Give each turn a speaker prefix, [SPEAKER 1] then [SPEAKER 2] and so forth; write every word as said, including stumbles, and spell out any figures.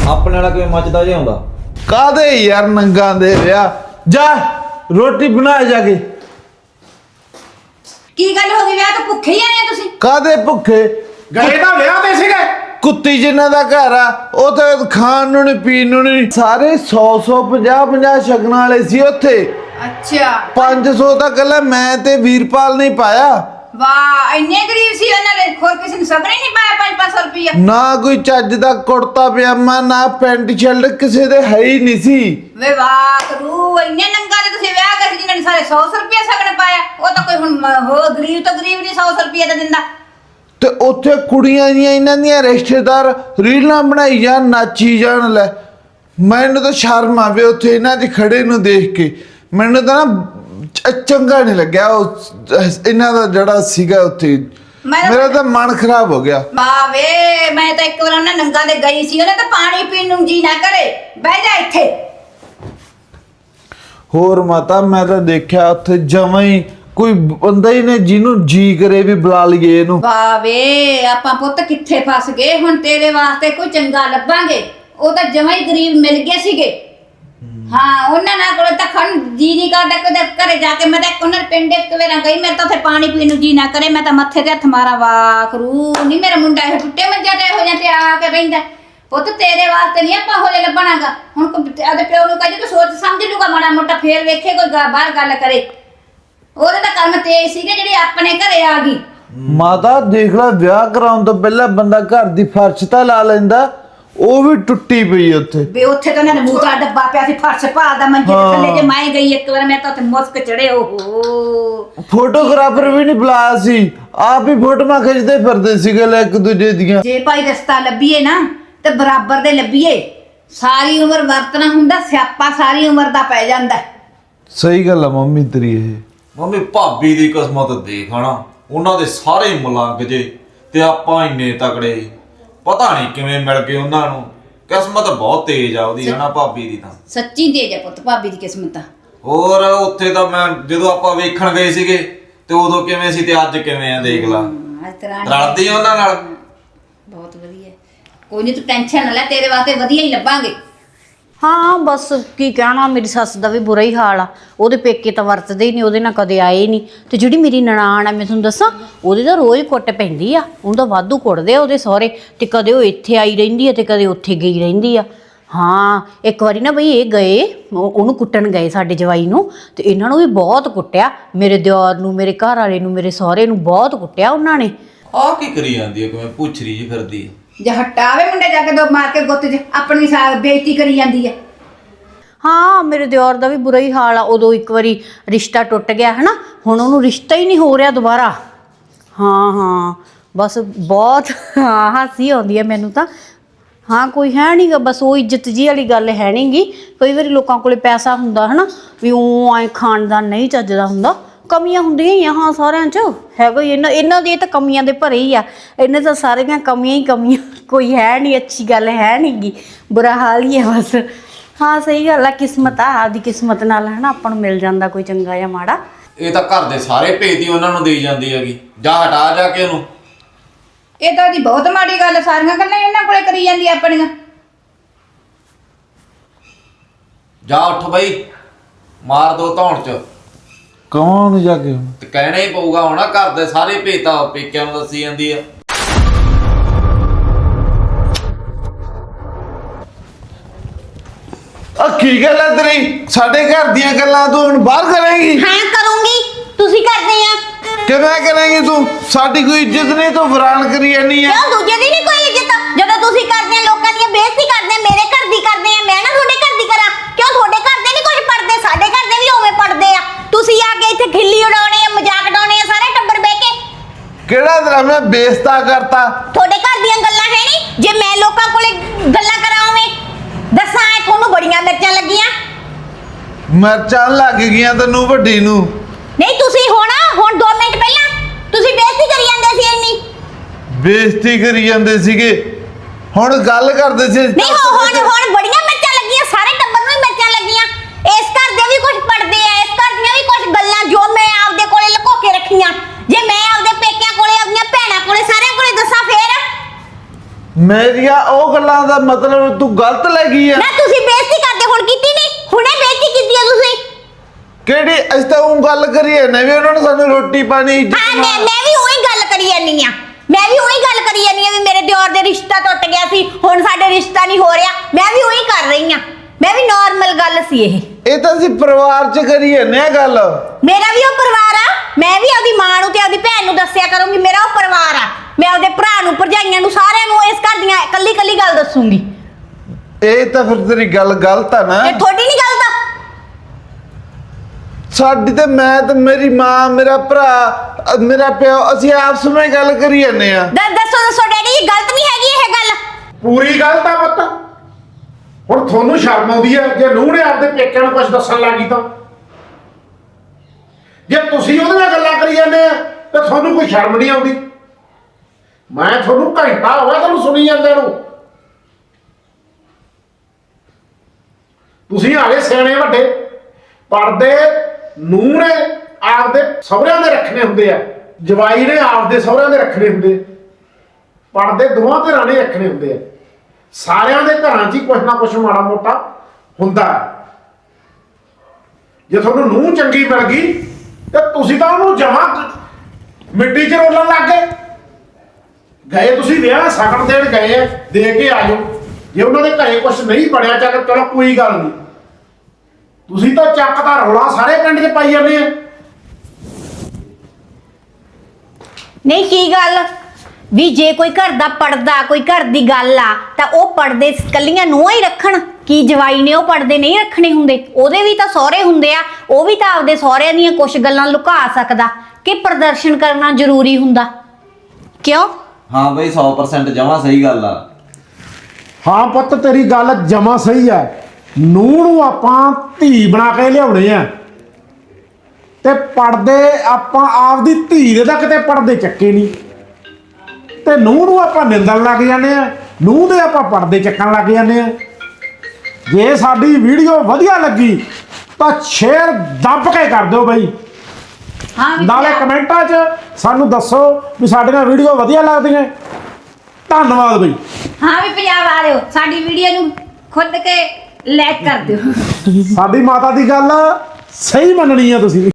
[SPEAKER 1] ਆਪਣੇ ਵਾਲਾ ਕਿਵੇਂ ਮੱਚਦਾ ਜੇ ਆਉਂਦਾ
[SPEAKER 2] ਕਾਦੇ ਯਾਰ ਨੰਗਾ ਦੇ ਵਿਆਹ ਜਾ ਰੋਟੀ ਬਣਾ ਜਾ ਕੇ
[SPEAKER 3] ਕੀ ਗੱਲ ਹੋ ਗਈ ਵਿਆਹ ਤੋਂ ਭੁੱਖੇ ਹੀ ਆਏ ਤੁਸੀਂ
[SPEAKER 2] ਕਾਦੇ ਭੁੱਖੇ
[SPEAKER 4] ਗਏ ਤਾਂ ਵਿਆਹ ਤੇ ਸੀਗੇ
[SPEAKER 2] ਕੁੱਤੀ ਜਿਨ੍ਹਾਂ ਦਾ ਘਰ ਆ ਉਹ ਤਾਂ ਖਾਣ ਨੂੰ ਨਹੀਂ ਪੀਣ ਨੂੰ ਨਹੀਂ ਸਾਰੇ ਸੌ ਸੌ ਪੰਜਾਹ ਪੰਜਾਹ ਸ਼ਗਨਾਂ ਵਾਲੇ ਸੀ ਉੱਥੇ
[SPEAKER 3] ਅੱਛਾ
[SPEAKER 2] ਪੰਜ ਸੌ ਤਾਂ ਕੱਲਾ ਮੈਂ ਤੇ ਵੀਰਪਾਲ ਨਹੀਂ ਪਾਇਆ
[SPEAKER 3] ਵਾਹ ਇੰਨੇ ਗਰੀਬ ਸੀ ਉਹਨਾਂ ਦੇ ਹੋਰ ਕਿਸੇ ਨੇ ਸਬਰ ਹੀ ਨਹੀਂ ਪਾਇਆ ਪੰਜ ਪੰਜ ਸੌ ਰੁਪਇਆ
[SPEAKER 2] ਨਾ ਕੋਈ ਚੱਜ ਦਾ ਕੁੜਤਾ ਪਜਾਮਾ ਨਾ ਪੈਂਟ ਸ਼ਰਟ ਕਿਸੇ ਦੇ ਹੈ ਹੀ ਨਹੀਂ ਸੀ
[SPEAKER 3] ਵੇ ਵਾਹ ਰੂ ਇੰਨੇ ਨੰਗਾ ਤੇ ਤੁਸੀਂ ਵਿਆਹ ਕਰ ਜਿਨ੍ਹਾਂ ਨੇ ਸਾਰੇ ਸੌ ਸੌ ਰੁਪਇਆ ਸਗਣ ਪਾਇਆ ਉਹ ਤਾਂ ਕੋਈ ਹੁਣ ਹੋ ਗਰੀਬ ਤੋਂ ਗਰੀਬ ਨਹੀਂ ਸੌ ਸੌ ਰੁਪਇਆ ਤਾਂ ਦਿੰਦਾ
[SPEAKER 2] ਤੇ ਉੱਥੇ ਕੁੜੀਆਂ ਦੀਆਂ ਇਹਨਾਂ ਦੀਆਂ ਰਿਸ਼ਤੇਦਾਰ ਰੀਲਾਂ ਬਣਾਈ ਜਾਣ ਨਾਚੀ ਜਾਣ ਲੈ ਮੈਨੂੰ ਤਾਂ ਸ਼ਰਮ ਆਵੇ ਉੱਥੇ ਇਹਨਾਂ 'ਚ ਖੜੇ ਨੂੰ ਦੇਖ ਕੇ ਮੈਨੂੰ ਤਾਂ ਨਾ ਚ- ਚੰਗਾ ਨਹੀਂ ਲੱਗਿਆ ਉਹ ਇਹਨਾਂ ਦਾ ਜਿਹੜਾ ਸੀਗਾ ਉੱਥੇ
[SPEAKER 3] ਮੈਂ-
[SPEAKER 2] ਮੇਰਾ ਤਾਂ ਮਨ ਖਰਾਬ ਹੋ ਗਿਆ
[SPEAKER 3] ਵਾਹ ਵੇ ਮੈਂ ਤਾਂ ਇੱਕ ਵਾਰ ਉਹਨਾਂ ਨੰਗਾ ਦੇ ਗਈ ਸੀ ਉਹਨੇ ਤਾਂ ਪਾਣੀ ਪੀਣ ਨੂੰ ਜੀ ਨਾ ਕਰੇ ਬਹਿ ਜਾ ਇੱਥੇ
[SPEAKER 2] ਹੋਰ ਮਾਤਾ ਮੈਂ ਤਾਂ ਦੇਖਿਆ ਉੱਥੇ ਜਮਾਂ ਹੀ ਕੋਈ ਬੰਦਾ ਹੀ ਨੇ ਜਿਹਨੂੰ ਜੀ ਕਰੇ ਵੀ ਬੁਲਾ ਲਈਏ ਇਹਨੂੰ
[SPEAKER 3] ਵਾਹ ਵੇ ਆਪਾਂ ਪੁੱਤ ਕਿੱਥੇ ਫਸ ਗਏ ਹੁਣ ਤੇਰੇ ਵਾਸਤੇ ਕੋਈ ਚੰਗਾ ਲੱਭਾਂਗੇ ਉਹ ਤਾਂ ਜਮਾਂ ਹੀ ਗਰੀਬ ਮਿਲ ਗਏ ਸੀਗੇ ਹਾਂ ਉਹਨਾਂ ਨਾਲ ਕੋਲ ਤਾਂ ਖਣ ਜੀ ਨਹੀਂ ਕਰਦਾ ਕਦੇ ਘਰੇ ਜਾ ਕੇ ਮੈਂ ਤਾਂ ਉਹਨਾਂ ਦੇ ਪਿੰਡ ਇੱਕ ਵੇਰਾ ਗਈ ਮੇਰੇ ਤਾਂ ਉੱਥੇ ਪਾਣੀ ਪੀਣ ਨੂੰ ਜੀ ਨਾ ਕਰੇ ਮੈਂ ਤਾਂ ਮੱਥੇ ਤੇ ਹੱਥ ਮਾਰਾ ਵਾਖਰੂ ਨਹੀਂ ਮੇਰਾ ਮੁੰਡਾ ਇਹ ਟੁੱਟੇ ਮੰਜਾ ਤੇ ਹੋ ਜਾਂ ਤੇ ਆ ਕੇ ਰਹਿੰਦਾ ਪੁੱਤ ਤੇਰੇ ਵਾਸਤੇ ਨਹੀਂ ਆਪਾਂ ਹੋਲੇ ਲੱਭਣਾਗਾ ਹੁਣ ਆਦੇ ਪਿਓ ਨੂੰ ਕਹੇ ਤੂੰ ਸੋਚ ਸਮਝ ਲੂਗਾ ਮਾੜਾ ਮੋਟਾ ਫੇਰ ਵੇਖੇ ਕੋਈ ਬਾਹਰ ਗੱਲ ਕਰੇ ਉਹਦੇ ਤਾਂ ਕੰਮ ਤੇਜ਼ ਸੀਗੇ ਜਿਹੜੀ ਆਪਣੇ ਘਰੇ ਆ ਗਈ
[SPEAKER 2] ਮਾਤਾ ਦੇਖ ਲੈ ਵਿਆਹ ਕਰਾਉਣ ਤੋਂ ਪਹਿਲਾਂ ਬੰਦਾ ਘਰ ਦੀ ਫਰਸ਼ ਤਾਂ ਲਾ ਲੈਂਦਾ ਉਹ ਵੀ ਟੁੱਟੀ ਪਈ ਉੱਥੇ
[SPEAKER 3] ਵੇ ਉੱਥੇ ਤਾਂ ਉਹਨਾਂ ਨੇ ਮੂੰਹ ਦਾ ਡੱਬਾ ਪਿਆ ਸੀ ਫਰਸ਼ ਭਾਲਦਾ ਮੰਜੇ ਦੇ ਥੱਲੇ ਜੇ ਮੈਂ ਗਈ ਇੱਕ ਵਾਰ ਮੈਂ ਤਾਂ ਉੱਥੇ ਮੁਸਕ ਚੜੇ ਓਹੋ
[SPEAKER 2] ਫੋਟੋਗ੍ਰਾਫਰ ਵੀ ਨਹੀਂ ਬੁਲਾਇਆ ਸੀ ਆਪ ਹੀ ਫੋਟੋਆਂ ਖਿੱਚਦੇ ਫਿਰਦੇ ਸੀਗੇ ਲੈ ਇੱਕ ਦੂਜੇ ਦੀਆਂ
[SPEAKER 3] ਜੇ ਭਾਈ ਰਸਤਾ ਲੱਭੀਏ ਨਾ ਤੇ ਬਰਾਬਰ ਦੇ ਲੱਭੀਏ ਸਾਰੀ ਉਮਰ ਵਰਤਣਾ ਹੁੰਦਾ ਸਿਆਪਾ ਸਾਰੀ ਉਮਰ ਦਾ ਪੈ ਜਾਂਦਾ
[SPEAKER 2] ਸਹੀ ਗੱਲ ਆ ਮੰਮੀ ਤੇਰੀ ਇਹ
[SPEAKER 1] ਮੰਮੀ ਭਾਬੀ ਦੀ ਕਿਸਮਤ ਦੇਖ ਹਨਾ ਉਹਨਾਂ ਦੇ ਸਾਰੇ ਮਲੰਗ ਜੇ ਤੇ ਆਪਾਂ ਇੰਨੇ ਤਕੜੇ ਪਤਾ ਨਹੀਂ ਕਿਵੇਂ ਮਿਲ ਗਏ ਉਹਨਾਂ ਨੂੰ ਕਿਸਮਤ ਬਹੁਤ ਤੇਜ਼ ਆ ਉਹਦੀ ਹਨਾ ਭਾਬੀ ਦੀ ਤਾਂ
[SPEAKER 3] ਸੱਚੀ ਤੇਜ ਆ ਪੁੱਤ ਭਾਬੀ ਦੀ ਕਿਸਮਤ ਤਾਂ
[SPEAKER 1] ਹੋਰ ਉੱਥੇ ਤਾਂ ਮੈਂ ਜਦੋਂ ਆਪਾਂ ਵੇਖਣ ਗਏ ਸੀਗੇ ਤੇ ਉਦੋਂ ਕਿਵੇਂ ਸੀ ਤੇ ਅੱਜ ਕਿਵੇਂ ਆ ਦੇਖ ਲਾ
[SPEAKER 3] ਅੱਜ ਤਰ੍ਹਾਂ
[SPEAKER 1] ਰਲਦੀ ਉਹਨਾਂ ਨਾਲ
[SPEAKER 3] ਬਹੁਤ ਵਧੀਆ ਕੋਈ ਨਹੀਂ ਤੂੰ ਟੈਨਸ਼ਨ ਨਾ ਲੈ ਤੇਰੇ ਵਾਸਤੇ ਵਧੀਆ ਹੀ ਲੱਭਾਂਗੇ
[SPEAKER 5] ਹਾਂ ਬਸ ਕੀ ਕਹਿਣਾ ਮੇਰੀ ਸੱਸ ਦਾ ਵੀ ਬੁਰਾ ਹੀ ਹਾਲ ਆ ਉਹਦੇ ਪੇਕੇ ਤਾਂ ਵਰਤਦੇ ਹੀ ਨਹੀਂ ਉਹਦੇ ਨਾਲ ਕਦੇ ਆਏ ਨਹੀਂ ਤੇ ਜਿਹੜੀ ਮੇਰੀ ਨਨਾਣ ਆ ਮੈਂ ਤੁਹਾਨੂੰ ਦੱਸਾਂ ਉਹਦੇ ਤਾਂ ਰੋਜ਼ ਕੁੱਟ ਪੈਂਦੀ ਆ ਉਹਨੂੰ ਤਾਂ ਵਾਧੂ ਕੁੱਟਦੇ ਆ ਉਹਦੇ ਸਹੁਰੇ ਤੇ ਕਦੇ ਉਹ ਇੱਥੇ ਆਈ ਰਹਿੰਦੀ ਆ ਤੇ ਕਦੇ ਉੱਥੇ ਗਈ ਰਹਿੰਦੀ ਆ ਹਾਂ ਇੱਕ ਵਾਰੀ ਨਾ ਬਈ ਇਹ ਗਏ ਉਹ- ਉਹਨੂੰ ਕੁੱਟਣ ਗਏ ਸਾਡੇ ਜਵਾਈ ਨੂੰ ਤੇ ਇਹਨਾਂ ਨੂੰ ਵੀ ਬਹੁਤ ਕੁੱਟਿਆ ਮੇਰੇ ਦਿਓਰ ਨੂੰ ਮੇਰੇ ਘਰ ਵਾਲੇ ਨੂੰ ਮੇਰੇ ਸਹੁਰੇ ਨੂੰ ਬਹੁਤ ਕੁੱਟਿਆ ਉਹਨਾਂ ਨੇ
[SPEAKER 1] ਆਹ ਕੀ ਕਰੀ ਜਾਂਦੀ ਹੈ ਕਿਵੇਂ ਪੁੱਛਰੀ ਜੀ ਫਿਰਦੀ ਹੈ
[SPEAKER 3] ਜੇ ਹਟਾਵੇ ਮੁੰਡੇ ਜਾ ਕੇ ਦੋ ਮਾਰ ਕੇ ਗੁੱਤ 'ਚ ਆਪਣੀ ਸਾ ਬੇਇੱਜ਼ਤੀ ਕਰੀ ਜਾਂਦੀ ਹੈ
[SPEAKER 5] ਹਾਂ ਮੇਰੇ ਦਿਓਰ ਦਾ ਵੀ ਬੁਰਾ ਹੀ ਹਾਲ ਆ ਉਦੋਂ ਇੱਕ ਵਾਰੀ ਰਿਸ਼ਤਾ ਟੁੱਟ ਗਿਆ ਹੈ ਨਾ ਹੁਣ ਉਹਨੂੰ ਰਿਸ਼ਤਾ ਹੀ ਨਹੀਂ ਹੋ ਰਿਹਾ ਦੁਬਾਰਾ ਹਾਂ ਹਾਂ ਬਸ ਬਹੁਤ ਹਾਂ ਹਾਸੀ ਆਉਂਦੀ ਹੈ ਮੈਨੂੰ ਤਾਂ ਹਾਂ ਕੋਈ ਹੈ ਨਹੀਂ ਗਾ ਬਸ ਉਹ ਇੱਜ਼ਤ ਜੀ ਵਾਲੀ ਗੱਲ ਹੈ ਨਹੀਂ ਗੀ ਕਈ ਵਾਰੀ ਲੋਕਾਂ ਕੋਲੇ ਪੈਸਾ ਹੁੰਦਾ ਹੈ ਨਾ ਵੀ ਉਹ ਐਂ ਖਾਨਦਾਨ ਨਹੀਂ ਚੱਜਦਾ ਹੁੰਦਾ ਕਮੀਆਂ ਹੁੰਦੀਆਂ ਹੀ ਆ ਹਾਂ ਸਾਰਿਆਂ 'ਚ ਹੈਗਾ ਹੀ ਇਹਨਾਂ ਇਹਨਾਂ ਦੀ ਤਾਂ ਕਮੀਆਂ ਦੇ ਭਰੇ ਹੀ ਆ ਇਹਨਾਂ ਤਾਂ ਸਾਰੀਆਂ ਕਮੀਆਂ ਹੀ ਕਮੀਆਂ ਕੋਈ ਹੈ ਨਹੀਂ ਅੱਛੀ ਗੱਲ ਹੈ ਨਹੀਂ ਗੀ ਬੁਰਾ ਹਾਲ ਹੀ ਹੈ ਬਸ ਹਾਂ ਸਹੀ ਗੱਲ ਆ ਕਿਸਮਤ ਆ ਆਪਦੀ ਕਿਸਮਤ ਨਾਲ ਹੈ ਨਾ ਆਪਾਂ ਨੂੰ ਮਿਲ ਜਾਂਦਾ ਕੋਈ ਚੰਗਾ ਜਾਂ ਮਾੜਾ
[SPEAKER 1] ਇਹ ਤਾਂ ਘਰ ਦੇ ਸਾਰੇ ਭੇਤ ਹੀ ਉਹਨਾਂ ਨੂੰ ਦੇਈ ਜਾਂਦੀ ਹੈਗੀ ਜਾ ਹਟਾ ਜਾ ਕੇ ਉਹਨੂੰ
[SPEAKER 3] ਇਹ ਤਾਂ ਦੀ ਬਹੁਤ ਮਾੜੀ ਗੱਲ ਸਾਰੀਆਂ ਗੱਲਾਂ ਇਹਨਾਂ ਕੋਲੇ ਕਰੀ ਜਾਂਦੀ ਆਪਣੀਆਂ
[SPEAKER 1] ਜਾ ਉੱਠ ਬਈ ਮਾਰ ਦੋ ਧੌਣ ਚ
[SPEAKER 2] ਕੌਣ ਜਾ ਕੇ
[SPEAKER 1] ਤੇ ਕਹਿਣਾ ਹੀ ਪਊਗਾ ਹੁਣ ਘਰ ਦੇ ਸਾਰੇ ਭੇਤ ਆ ਪੇਕਿਆਂ ਨੂੰ ਦੱਸੀ ਜਾਂਦੀ ਆ
[SPEAKER 2] ਆ ਕੀ ਗੱਲ ਹੈ ਤੇਰੀ ਸਾਡੇ ਘਰ ਦੀਆਂ ਗੱਲਾਂ ਤੂੰ ਹੁਣ ਬਾਹਰ ਕਰੇਂਗੀ
[SPEAKER 5] ਹਾਂ ਕਰੂੰਗੀ ਤੁਸੀਂ ਕਰਦੇ ਆ
[SPEAKER 2] ਕਿਵੇਂ ਕਰੇਂਗੀ ਤੂੰ ਸਾਡੀ ਕੋਈ ਇੱਜ਼ਤ ਨਹੀਂ ਤੂੰ ਫਰਾਨ ਕਰੀ ਜਾਨੀ ਆ
[SPEAKER 5] ਕਿਉਂ ਦੂਜੇ ਦੀ ਨਹੀਂ ਕੋਈ ਇੱਜ਼ਤ ਜਦੋਂ ਤੁਸੀਂ ਕਰਦੇ ਆ ਲੋਕਾਂ ਦੀਆਂ ਬੇਇੱਜ਼ਤੀ ਕਰਦੇ ਆ ਮੇਰੇ ਘਰ ਦੀ ਕਰਦੇ ਆ ਮੈਂ ਨਾ ਤੁਹਾਡੇ ਘਰ ਦੀ ਕਰਾਂ ਕਿਉਂ ਤੁਹਾਡੇ ਘਰ ਦੇ ਨਹੀਂ ਕੁਝ ਪੜਦੇ ਸਾਡੇ ਘਰ ਦੇ ਵੀ ਉਵੇਂ ਪੜਦੇ ਆ ਤੁਸੀਂ ਆ ਕੇ ਇੱਥੇ ਖਿੱਲੀ ਉਡਾਉਣੇ ਆ ਮਜ਼ਾਕ ਉਡਾਉਣੇ ਆ ਸਾਰੇ ਟੱਬਰ ਬਹਿ ਕੇ
[SPEAKER 2] ਕਿਹੜਾ ਤੇਰਾ ਮੈਂ ਬੇਇੱਜ਼ਤਾ ਕਰਤਾ
[SPEAKER 5] ਤੁਹਾਡੇ ਘਰ ਦੀਆਂ ਗੱਲਾਂ ਹੈ ਨਹੀਂ ਜੇ ਮੈਂ ਲੋਕਾਂ ਕੋਲੇ ਗੱਲਾਂ ਕਰਾਉਂਵੇਂ ਦੱਸਾਂ ਐ ਤੁਹਾਨੂੰ ਬੜੀਆਂ ਮਿਰਚਾਂ ਲੱਗੀਆਂ
[SPEAKER 2] ਮਿਰਚਾਂ ਲੱਗ ਗਈਆਂ ਤੈਨੂੰ ਵੱਡੀ ਨੂੰ
[SPEAKER 5] ਨਹੀਂ ਤੁਸੀਂ ਹੁਣ ਹੁਣ ਦੋ ਮਿੰਟ ਪਹਿਲਾਂ ਤੁਸੀਂ ਬੇਇੱਜ਼ਤੀ ਕਰੀ ਜਾਂਦੇ ਸੀ ਇੰਨੀ
[SPEAKER 2] ਬੇਇੱਜ਼ਤੀ ਕਰੀ ਜਾਂਦੇ ਸੀਗੇ ਹੁਣ ਗੱਲ ਕਰਦੇ ਸੀ
[SPEAKER 5] ਨਹੀਂ ਹੋ ਹੁਣ ਹੁਣ ਬੜੀਆਂ ਮਿਰਚਾਂ ਲੱਗੀਆਂ ਸਾਰੇ ਟੱਬਰ ਨੂੰ ਹੀ ਮਿਰਚਾਂ ਲੱਗੀਆਂ ਇਸ ਘਰ ਦੇ ਵੀ ਕੁਝ ਪੜਦੇ ਆ ਇਸ ਘਰ ਦੀਆਂ ਵੀ ਕੁਝ ਗੱਲਾਂ ਜੋ ਮੈਂ ਆਪਦੇ ਕੋਲੇ ਲੁਕੋ ਕੇ ਰੱਖੀਆਂ ਜੇ ਮੈਂ ਆਪਦੇ ਪੇਕਿਆਂ ਕੋਲੇ ਆਪਣੀਆਂ ਭੈਣਾਂ ਕੋਲੇ ਸਾਰਿਆਂ ਕੋਲੇ ਦੱਸਾਂ ਫੇਰ
[SPEAKER 2] ਮੇਰੀਆਂ ਉਹ ਗੱਲਾਂ ਦਾ ਮਤਲਬ ਤੂੰ ਗਲਤ ਲੱਗੀ ਆ
[SPEAKER 5] ਨਾ ਤੁਸੀਂ ਬੇਇੱਜ਼ਤੀ ਕਰਦੇ ਹੁਣ ਕੀਤੀ ਨਹੀਂ ਹੁਣੇ ਬੇਇੱਜ਼ਤੀ ਕੀਤੀ ਆ ਤੁਸੀਂ
[SPEAKER 2] ਕਿਹੜੀ ਅਸੀਂ ਤਾਂ ਉਹ ਗੱਲ ਕਰੀਏ ਨਾ ਵੀ ਉਹਨਾਂ ਨੇ ਸਾਨੂੰ ਰੋਟੀ ਪਾਣੀ
[SPEAKER 5] ਹਾਂ ਮੈਂ ਮੈਂ ਵੀ ਉਹੀ ਗੱਲ ਕਰੀ ਜਾਨੀ ਆ ਮੈਂ ਵੀ ਉਹੀ ਗੱਲ ਕਰੀ ਜਾਨੀ ਆ ਵੀ ਮੇਰੇ ਦਿਓਰ ਦੇ ਰਿਸ਼ਤਾ ਟੁੱਟ ਗਿਆ ਸੀ ਹੁਣ ਸਾਡੇ ਰਿਸ਼ਤਾ ਨਹੀਂ ਹੋ ਰਿਹਾ ਮੈਂ ਵੀ ਉਹੀ ਕਰ ਰਹੀ ਆ ਮੈਂ ਵੀ ਨਾਰਮਲ ਗੱਲ ਸੀ ਇਹ
[SPEAKER 2] ਇਹ ਤਾਂ ਅਸੀਂ ਪਰਿਵਾਰ ਚ ਕਰੀਏ ਨਾ ਗੱਲ
[SPEAKER 5] ਮੇਰਾ ਵੀ ਉਹ ਪਰਿਵਾਰ ਆ ਮੈਂ ਵੀ ਆਪਦੀ ਮਾਂ ਨੂੰ ਤੇ ਆਪਦੀ ਭੈਣ ਨੂੰ ਦੱਸਿਆ ਕਰੂੰਗੀ ਮੇਰਾ ਉਹ ਪਰਿਵਾਰ ਆ ਮੈਂ ਆਪਦੇ ਭਰਾ ਨੂੰ ਭਰਜਾਈਆਂ ਨੂੰ ਸਾਰਿਆਂ ਨੂੰ ਇਸ ਘਰ ਦੀਆਂ ਇਕੱਲੀ ਇਕੱਲੀ ਗੱਲ ਦੱਸੂਗੀ
[SPEAKER 2] ਇਹ ਤਾਂ ਫਿਰ ਤੇਰੀ ਗੱਲ ਗਲਤ ਆ ਨਾ
[SPEAKER 5] ਇਹ ਤੁਹਾਡੀ ਨਹੀਂ ਗੱਲ ਤਾਂ
[SPEAKER 2] ਸਾਡੀ ਤੇ ਮੈਂ ਤੇ ਮੇਰੀ ਮਾਂ ਮੇਰਾ ਭਰਾ ਅ, ਮੇਰਾ ਪਿਓ ਅਸੀਂ ਆਪਸ ਵਿੱਚ ਗੱਲ ਕਰੀ ਜਾਂਦੇ ਆ
[SPEAKER 5] ਦ- ਦੱਸੋ ਦੱਸੋ ਡੈਡੀ ਜੀ ਗਲਤ ਨਹੀਂ ਹੈਗੀ ਇਹ ਗੱਲ
[SPEAKER 4] ਪੂਰੀ ਗੱਲ ਤਾਂ ਪੁੱਤ ਹੁਣ ਤੁਹਾਨੂੰ ਸ਼ਰਮ ਆਉਂਦੀ ਹੈ ਜੇ ਨੂੰਹ ਨੇ ਆਪਦੇ ਪੇਕਿਆਂ ਨੂੰ ਕੁਝ ਦੱਸਣ ਲੱਗੀ ਤਾਂ ਜੇ ਤੁਸੀਂ ਉਹਦੇ ਨਾਲ ਗੱਲਾਂ ਕਰੀ ਜਾਂਦੇ ਆ ਤੇ ਤੁਹਾਨੂੰ ਕੋਈ ਸ਼ਰਮ ਨਹੀਂ ਆਉਂਦੀ ਮੈਂ ਤੁਹਾਨੂੰ ਘੰਟਾ ਹੋ ਗਿਆ ਤੁਹਾਨੂੰ ਸੁਣੀ ਜਾਂਦੇ ਨੂੰ ਤੁਸੀਂ ਆਲੇ ਸਿਆਣੇ ਵੱਡੇ ਪਰਦੇ ਨੂੰਹ ਨੇ ਆਪਦੇ ਸਹੁਰਿਆਂ ਦੇ ਰੱਖਣੇ ਹੁੰਦੇ ਆ ਜਵਾਈ ਨੇ ਆਪਦੇ ਸਹੁਰਿਆਂ ਦੇ ਰੱਖਣੇ ਹੁੰਦੇ ਪਰਦੇ ਦੋਵਾਂ ਧਿਰਾਂ ਨੇ ਰੱਖਣੇ ਹੁੰਦੇ ਆ ਸਾਰਿਆਂ ਦੇ ਘਰਾਂ 'ਚ ਹੀ ਕੁਛ ਨਾ ਕੁਛ ਮਾੜਾ ਮੋਟਾ ਹੁੰਦਾ ਹੈ। ਜੇ ਤੁਹਾਨੂੰ ਨੂੰਹ ਚੰਗੀ ਮਿਲ ਗਈ ਤੇ ਤੁਸੀਂ ਤਾਂ ਉਹਨੂੰ ਜਮਾ ਮਿੱਟੀ 'ਚ ਰੋਲਣ ਲੱਗ ਗਏ ਗਏ ਤੁਸੀਂ ਵਿਆਹ ਸ਼ਗਨ ਦੇਣ ਗਏ ਆ ਦੇ ਕੇ ਆ ਜਾਓ ਜੇ ਉਹਨਾਂ ਦੇ ਘਰੇ ਕੁਛ ਨਹੀਂ ਬਣਿਆ ਚੱਲ ਚਲੋ ਕੋਈ ਗੱਲ ਨਹੀਂ ਤੁਸੀਂ ਤਾਂ ਚੱਕ ਦਾ ਰੌਲਾ ਸਾਰੇ ਪਿੰਡ 'ਚ ਪਾਈ ਜਾਂਦੇ ਆ
[SPEAKER 5] ਨਹੀਂ ਕੀ ਗੱਲ ਵੀ ਜੇ ਕੋਈ ਘਰ ਦਾ ਪਰਦਾ ਕੋਈ ਘਰ ਦੀ ਗੱਲ ਆ ਤਾਂ ਉਹ ਪਰਦੇ ਕੱਲੀਆਂ ਨੂੰਹਾਂ ਹੀ ਰੱਖਣ ਕੀ ਜਵਾਈ ਨੇ ਉਹ ਪਰਦੇ ਨਹੀਂ ਰੱਖਣੇ ਹੁੰਦੇ ਉਹਦੇ ਵੀ ਤਾਂ ਸਹੁਰੇ ਹੁੰਦੇ ਆ ਉਹ ਵੀ ਤਾਂ ਆਪਦੇ ਸਹੁਰਿਆਂ ਦੀਆਂ ਕੁਝ ਗੱਲਾਂ ਲੁਕਾ ਸਕਦਾ ਕਿ ਪ੍ਰਦਰਸ਼ਨ ਕਰਨਾ ਜ਼ਰੂਰੀ ਹੁੰਦਾ ਕਿਉਂ
[SPEAKER 1] ਹਾਂ ਬਈ ਸੌ ਪਰਸੈਂਟ ਜਮਾਂ ਸਹੀ ਗੱਲ ਆ
[SPEAKER 4] ਹਾਂ ਪੁੱਤ ਤੇਰੀ ਗੱਲ ਜਮਾ ਸਹੀ ਹੈ ਨੂੰਹ ਨੂੰ ਆਪਾਂ ਧੀ ਬਣਾ ਕੇ ਲਿਆਉਣੇ ਆ ਤੇ ਪਰਦੇ ਆਪਾਂ ਆਪਦੀ ਧੀ ਦੇ ਤਾਂ ਕਿਤੇ ਪਰਦੇ ਚੱਕੇ ਨਹੀਂ ਤੇ ਨੂੰਹ ਨੂੰ ਆਪਾਂ ਨਿੰਦਣ ਲੱਗ ਜਾਂਦੇ ਆ ਨੂੰਹ ਦੇ ਆਪਾਂ ਪਰਦੇ ਚੱਕਣ ਲੱਗ ਜਾਂਦੇ ਆ ਜੇ ਸਾਡੀ ਵੀਡੀਓ ਵਧੀਆ ਲੱਗੀ ਤਾਂ ਸ਼ੇਅਰ ਦੱਬ ਕੇ ਕਰ ਦਿਓ ਬਈ
[SPEAKER 3] ਹਾਂ ਵੀ
[SPEAKER 4] ਨਾਲੇ
[SPEAKER 3] ਪਿਆ-
[SPEAKER 4] ਕਮੈਂਟਾਂ 'ਚ ਸਾਨੂੰ ਦੱਸੋ ਵੀ ਸਾਡੀਆਂ ਵੀਡੀਓ ਵਧੀਆ ਲੱਗਦੀਆਂ ਧੰਨਵਾਦ ਬਈ
[SPEAKER 3] ਹਾਂ ਵੀ ਪੰਜਾਬ ਵਾਲਿਓ ਸਾਡੀ ਵੀਡੀਓ ਨੂੰ ਖੁਦ ਕੇ ਲਾਈਕ ਕਰ ਦਿਓ
[SPEAKER 4] ਸਾਡੀ ਮਾਤਾ ਦੀ ਗੱਲ ਸਹੀ ਮੰਨਣੀ ਆ ਤੁਸੀਂ